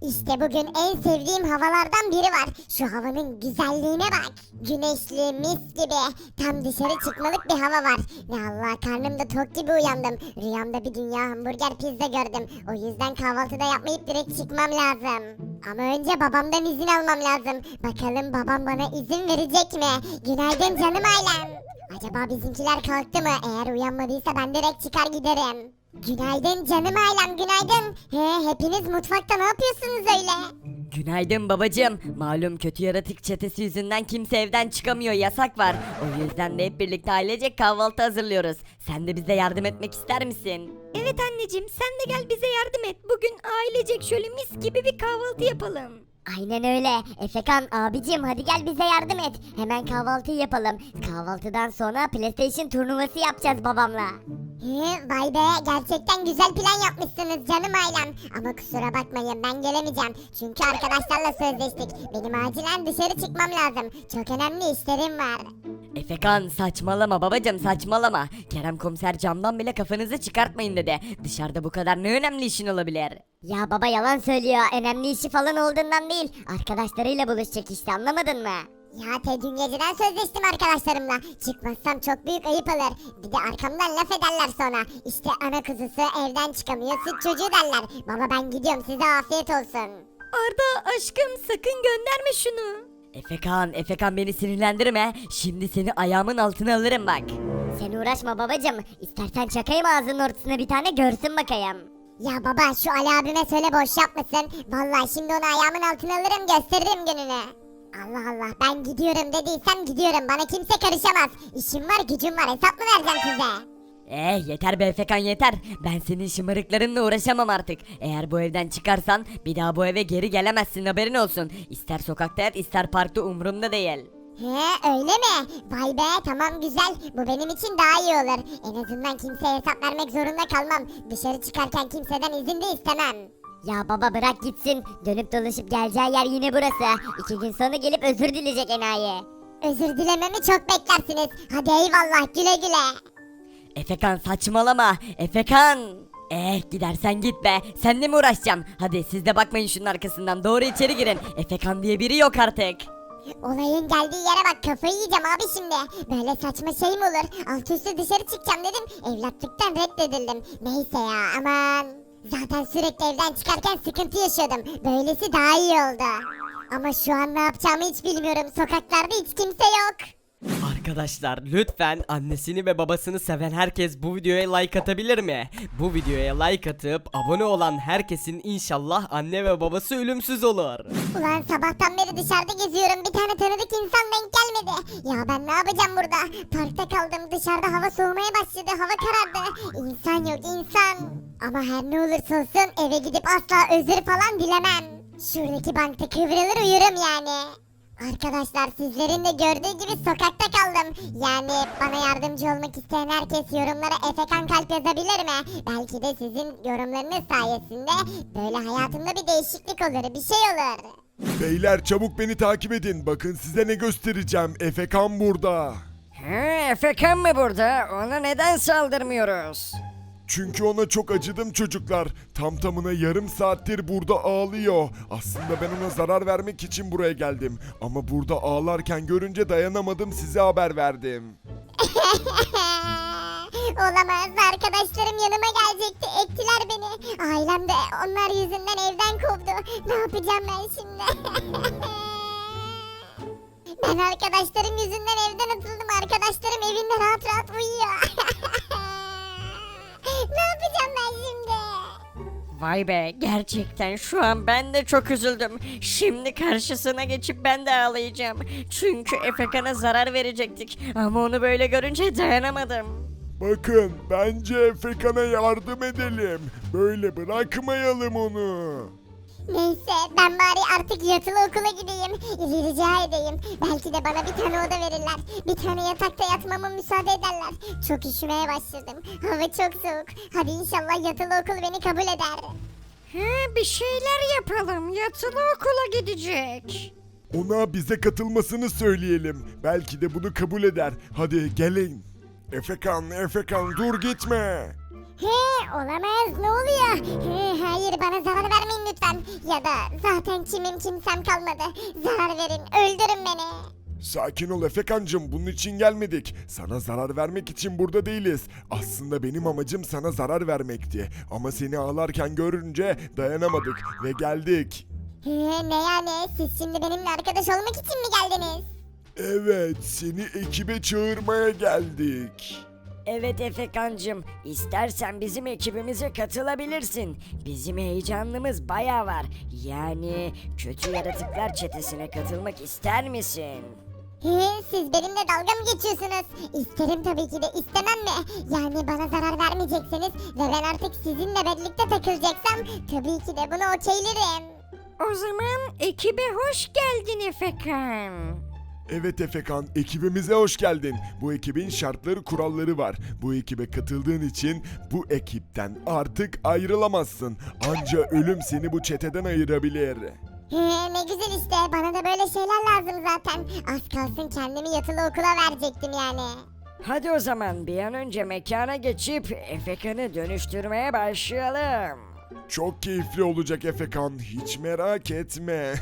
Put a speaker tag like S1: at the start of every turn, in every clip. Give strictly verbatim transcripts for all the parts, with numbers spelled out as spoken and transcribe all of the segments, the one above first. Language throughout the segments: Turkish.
S1: İşte bugün en sevdiğim havalardan biri var. Şu havanın güzelliğine bak. Güneşli, mis gibi. Tam dışarı çıkmalık bir hava var. Ne Allah, karnımda tok gibi uyandım. Rüyamda bir dünya hamburger pizza gördüm. O yüzden kahvaltıda yapmayıp direkt çıkmam lazım. Ama önce babamdan izin almam lazım. Bakalım babam bana izin verecek mi? Günaydın canım ailem. Acaba bizimkiler kalktı mı? Eğer uyanmadıysa ben direkt çıkar giderim. Günaydın canım ailem, günaydın. He, hepiniz mutfakta ne yapıyorsunuz öyle?
S2: Günaydın babacığım. Malum kötü yaratık çetesi yüzünden kimse evden çıkamıyor, yasak var. O yüzden de hep birlikte ailecek kahvaltı hazırlıyoruz. Sen de bize yardım etmek ister misin?
S3: Evet anneciğim, sen de gel bize yardım et. Bugün ailecek şöyle mis gibi bir kahvaltı yapalım.
S1: Aynen öyle. Efekan abicim, hadi gel bize yardım et. Hemen kahvaltıyı yapalım. Kahvaltıdan sonra PlayStation turnuvası yapacağız babamla. He, vay be, gerçekten güzel plan yapmışsınız canım ailem. Ama kusura bakmayın, ben gelemeyeceğim. Çünkü arkadaşlarla sözleştik. Benim acilen dışarı çıkmam lazım. Çok önemli işlerim var.
S2: Efekan saçmalama babacığım, saçmalama. Kerem komiser camdan bile kafanızı çıkartmayın dedi. Dışarıda bu kadar ne önemli işin olabilir?
S1: Ya baba yalan söylüyor. Önemli işi falan olduğundan değil. Arkadaşlarıyla buluşacak işte, anlamadın mı? Ya te dün geceden sözleştim arkadaşlarımla. Çıkmazsam çok büyük ayıp olur. Bir de arkamdan laf ederler sonra. İşte ana kuzusu evden çıkamıyor, süt çocuğu derler. Baba ben gidiyorum, size afiyet olsun.
S3: Arda aşkım, sakın gönderme şunu.
S2: Efekan, Efekan beni sinirlendirme. Şimdi seni ayağımın altına alırım bak.
S1: Sen uğraşma babacım. İstersen çakayım ağzının ortasına bir tane, görsün bakayım. Ya baba şu Ali abime söyle boş yapmasın. Vallahi şimdi onu ayağımın altına alırım, gösteririm gününü. Allah Allah, ben gidiyorum dediysem gidiyorum, bana kimse karışamaz. İşim var gücüm var, hesap mı vereceğim size?
S2: Eh yeter be Efekan yeter. Ben senin şımarıklarınla uğraşamam artık. Eğer bu evden çıkarsan bir daha bu eve geri gelemezsin, haberin olsun. İster sokakta yat ister parkta, umurumda değil.
S1: He öyle mi? Vay be, tamam güzel. Bu benim için daha iyi olur. En azından kimseye hesap vermek zorunda kalmam. Dışarı çıkarken kimseden izin de istemem. Ya baba bırak gitsin. Dönüp dolaşıp geleceği yer yine burası. İki gün sonra gelip özür dileyecek enayi. Özür dilememi çok beklersiniz. Hadi eyvallah, güle güle.
S2: Efekan saçmalama. Efekan. Eh gidersen git be. Seninle mi uğraşacağım? Hadi siz de bakmayın şunun arkasından. Doğru içeri girin. Efekan diye biri yok artık.
S1: Olayın geldiği yere bak, kafayı yiyeceğim abi şimdi. Böyle saçma şey mi olur? Alt üstü dışarı çıkacağım dedim. Evlatlıktan reddedildim. Neyse ya, aman. Zaten sürekli evden çıkarken sıkıntı yaşıyordum. Böylesi daha iyi oldu. Ama şu an ne yapacağımı hiç bilmiyorum. Sokaklarda hiç kimse yok.
S4: Arkadaşlar lütfen annesini ve babasını seven herkes bu videoya like atabilir mi? Bu videoya like atıp abone olan herkesin inşallah anne ve babası ölümsüz olur.
S1: Ulan sabahtan beri dışarıda geziyorum. Bir tane tanıdık insan denk gelmedi. Ya ben ne yapacağım burada? Parkta kaldım. Dışarıda hava soğumaya başladı. Hava karardı. İnsan yok insan. Ama her ne olursa olsun eve gidip asla özür falan dilemem. Şuradaki bankta kıvrılır uyurum yani. Arkadaşlar sizlerin de gördüğü gibi sokakta kaldım. Yani bana yardımcı olmak isteyen herkes yorumlara Efekan kalp yazabilir mi? Belki de sizin yorumlarınız sayesinde böyle hayatımda bir değişiklik olur, bir şey olur.
S5: Beyler çabuk beni takip edin. Bakın size ne göstereceğim. Efekan burada.
S6: He, Efekan mı burada? Ona neden saldırmıyoruz?
S5: Çünkü ona çok acıdım çocuklar. Tam tamına yarım saattir burada ağlıyor. Aslında ben ona zarar vermek için buraya geldim. Ama burada ağlarken görünce dayanamadım, size haber verdim.
S1: Olamaz, arkadaşlarım yanıma gelecekti, ektiler beni. Ailem de onlar yüzünden evden kovdu. Ne yapacağım ben şimdi? Ben arkadaşlarım yüzünden evden atıldım. Arkadaşlarım evinde rahat rahat uyuyor. Ne yapacağım ben şimdi?
S6: Vay be, gerçekten şu an ben de çok üzüldüm. Şimdi karşısına geçip ben de ağlayacağım. Çünkü Efekan'a zarar verecektik. Ama onu böyle görünce dayanamadım.
S5: Bakın bence Efekan'a yardım edelim. Böyle bırakmayalım onu.
S1: Neyse ben bari artık yatılı okula gideyim. Rica edeyim. Belki de bana bir tane oda verirler. Bir tane yatakta yatmama müsaade ederler. Çok üşümeye başladım. Hava çok soğuk. Hadi inşallah yatılı okul beni kabul eder.
S6: He, bir şeyler yapalım. Yatılı okula gidecek.
S5: Ona bize katılmasını söyleyelim. Belki de bunu kabul eder. Hadi gelin. Efekan, Efekan dur gitme.
S1: He, olamaz, ne oluyor? He, hayır, bana zarar vermeyin lütfen. Ya da zaten kimim kimsem kalmadı. Zarar verin, öldürün beni.
S5: Sakin ol Efekancım, bunun için gelmedik. Sana zarar vermek için burada değiliz. Aslında benim amacım sana zarar vermekti. Ama seni ağlarken görünce dayanamadık ve geldik.
S1: He, ne yani? Siz şimdi benimle arkadaş olmak için mi geldiniz?
S5: Evet, seni ekibe çağırmaya geldik.
S6: Evet Efekancım, istersen bizim ekibimize katılabilirsin. Bizim heyecanımız baya var. Yani kötü yaratıklar çetesine katılmak ister misin?
S1: He, siz benimle dalga mı geçiyorsunuz? İsterim tabii ki de, istemem mi? Yani bana zarar vermeyecekseniz ve ben artık sizinle birlikte takılacaksam tabii ki de bunu okeylerim.
S3: O zaman ekibe hoş geldin Efekan.
S5: Evet Efekan, ekibimize hoş geldin. Bu ekibin şartları, kuralları var. Bu ekibe katıldığın için bu ekipten artık ayrılamazsın. Anca ölüm seni bu çeteden ayırabilir.
S1: He, ne güzel işte, bana da böyle şeyler lazım zaten. Az kalsın kendimi yatılı okula verecektim yani.
S6: Hadi o zaman bir an önce mekana geçip Efekan'ı dönüştürmeye başlayalım.
S5: Çok keyifli olacak Efekan, hiç merak etme.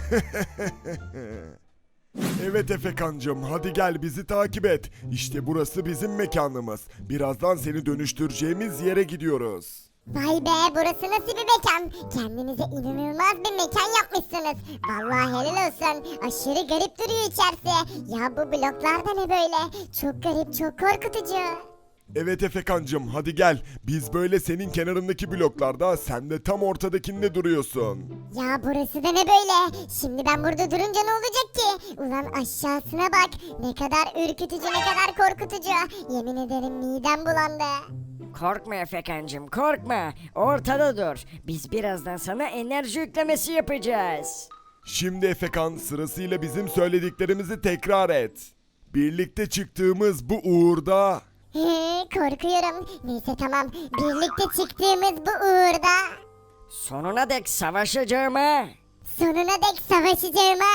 S5: Evet Efekancım, hadi gel bizi takip et. İşte burası bizim mekanımız. Birazdan seni dönüştüreceğimiz yere gidiyoruz.
S1: Vay be, burası nasıl bir mekan? Kendinize inanılmaz bir mekan yapmışsınız. Vallahi helal olsun. Aşırı garip duruyor içerisi. Ya bu bloklar da ne böyle? Çok garip, çok korkutucu.
S5: Evet Efekancım, hadi gel. Biz böyle senin kenarındaki bloklarda, sen de tam ortadakinde duruyorsun.
S1: Ya burası da ne böyle? Şimdi ben burada durunca ne olacak ki? Ulan aşağısına bak. Ne kadar ürkütücü, ne kadar korkutucu. Yemin ederim midem bulandı.
S6: Korkma Efekancım, korkma. Ortada dur. Biz birazdan sana enerji yüklemesi yapacağız.
S5: Şimdi Efekan, sırasıyla bizim söylediklerimizi tekrar et. Birlikte çıktığımız bu uğurda...
S1: He, korkuyorum. Neyse tamam. Birlikte çıktığımız bu uğurda
S6: Sonuna dek savaşacağıma.
S1: sonuna dek savaşacağıma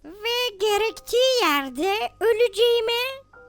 S3: Ve gerektiği yerde öleceğime.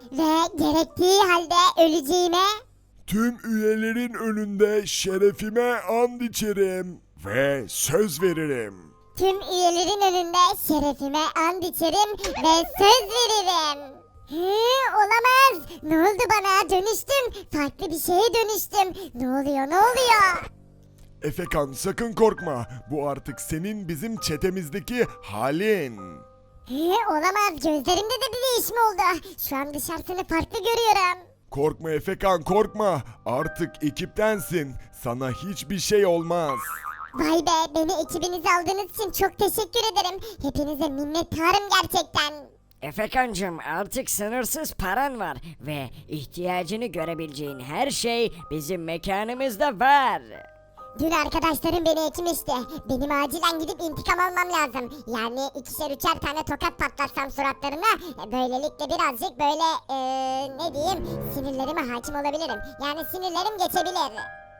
S1: ve gerektiği halde öleceğime
S5: Tüm üyelerin önünde şerefime and içerim ve söz veririm.
S1: tüm üyelerin önünde şerefime and içerim ve söz veririm. He, olamaz. Ne oldu bana? Dönüştüm. Farklı bir şeye dönüştüm. Ne oluyor? Ne oluyor?
S5: Efekan, sakın korkma. Bu artık senin bizim çetemizdeki halin.
S1: He, olamaz. Gözlerimde de bir değişme oldu. Şu an dışarısını farklı görüyorum.
S5: Korkma Efekan, korkma. Artık ekiptensin. Sana hiçbir şey olmaz.
S1: Vay be, beni ekibinize aldığınız için çok teşekkür ederim. Hepinize minnettarım gerçekten.
S6: Efekancım, artık sınırsız paran var ve ihtiyacını görebileceğin her şey bizim mekanımızda var.
S1: Dün arkadaşlarım beni ekmişti. Benim acilen gidip intikam almam lazım. Yani ikişer üçer tane tokat patlatsam suratlarına e, böylelikle birazcık böyle eee, ne diyeyim sinirlerime hakim olabilirim. Yani sinirlerim geçebilir.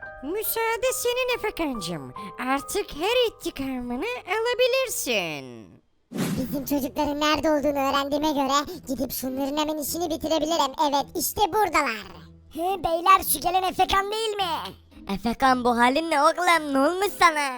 S3: Müsaade senin Efekancım. Artık her intikamını alabilirsin.
S1: Bizim çocukların nerede olduğunu öğrendiğime göre gidip şunların hemen işini bitirebilirim. Evet, işte buradalar. He beyler, şu gelen Efekan değil mi?
S2: Efekan, bu halin ne oğlum, ne olmuş sana?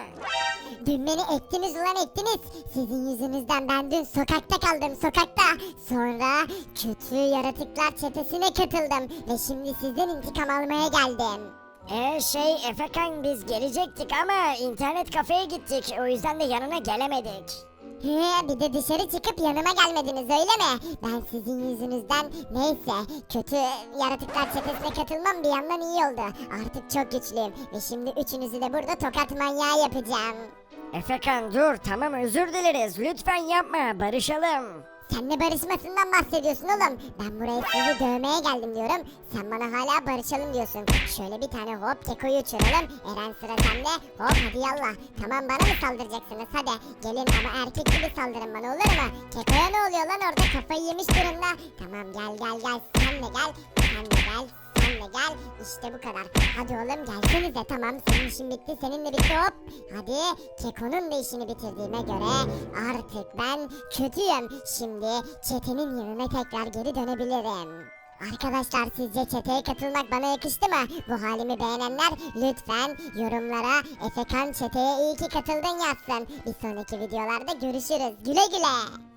S1: Dün beni ettiniz ulan ettiniz. Sizin yüzünüzden ben dün sokakta kaldım, sokakta. Sonra kötü yaratıklar çetesine katıldım. Ve şimdi sizden intikam almaya geldim.
S7: Ee şey Efekan, biz gelecektik ama internet kafeye gittik, o yüzden de yanına gelemedik.
S1: He, bir de dışarı çıkıp yanıma gelmediniz öyle mi? Ben sizin yüzünüzden neyse kötü yaratıklar çetesine katılmam bir yandan iyi oldu. Artık çok güçlüyüm ve şimdi üçünüzü de burada tokat manyağı yapacağım.
S7: Efekan dur, tamam, özür dileriz, lütfen yapma, barışalım.
S1: Sen ne barışmasından bahsediyorsun oğlum? Ben buraya sizi dövmeye geldim diyorum. Sen bana hala barışalım diyorsun. Şöyle bir tane hop kekoyu uçuralım. Eren sıra sende. Hop hadi yallah. Tamam, bana mı saldıracaksınız? Hadi gelin ama erkek gibi saldırın bana, olur mu? Kekoya ne oluyor lan orada, kafayı yemiş durumda. Tamam gel gel gel. Sen de gel. Sen de gel. Sen de gel. İşte bu kadar. Hadi oğlum gelsenize. Tamam, senin işin bitti. Senin de bitti hop. Hadi. Keko'nun da işini bitirdiğime göre artık ben kötüyüm. Şimdi çetenin yanına tekrar geri dönebilirim. Arkadaşlar sizce çeteye katılmak bana yakıştı mı? Bu halimi beğenenler lütfen yorumlara Efekan çeteye iyi ki katıldın yazsın. Bir sonraki videolarda görüşürüz. Güle güle.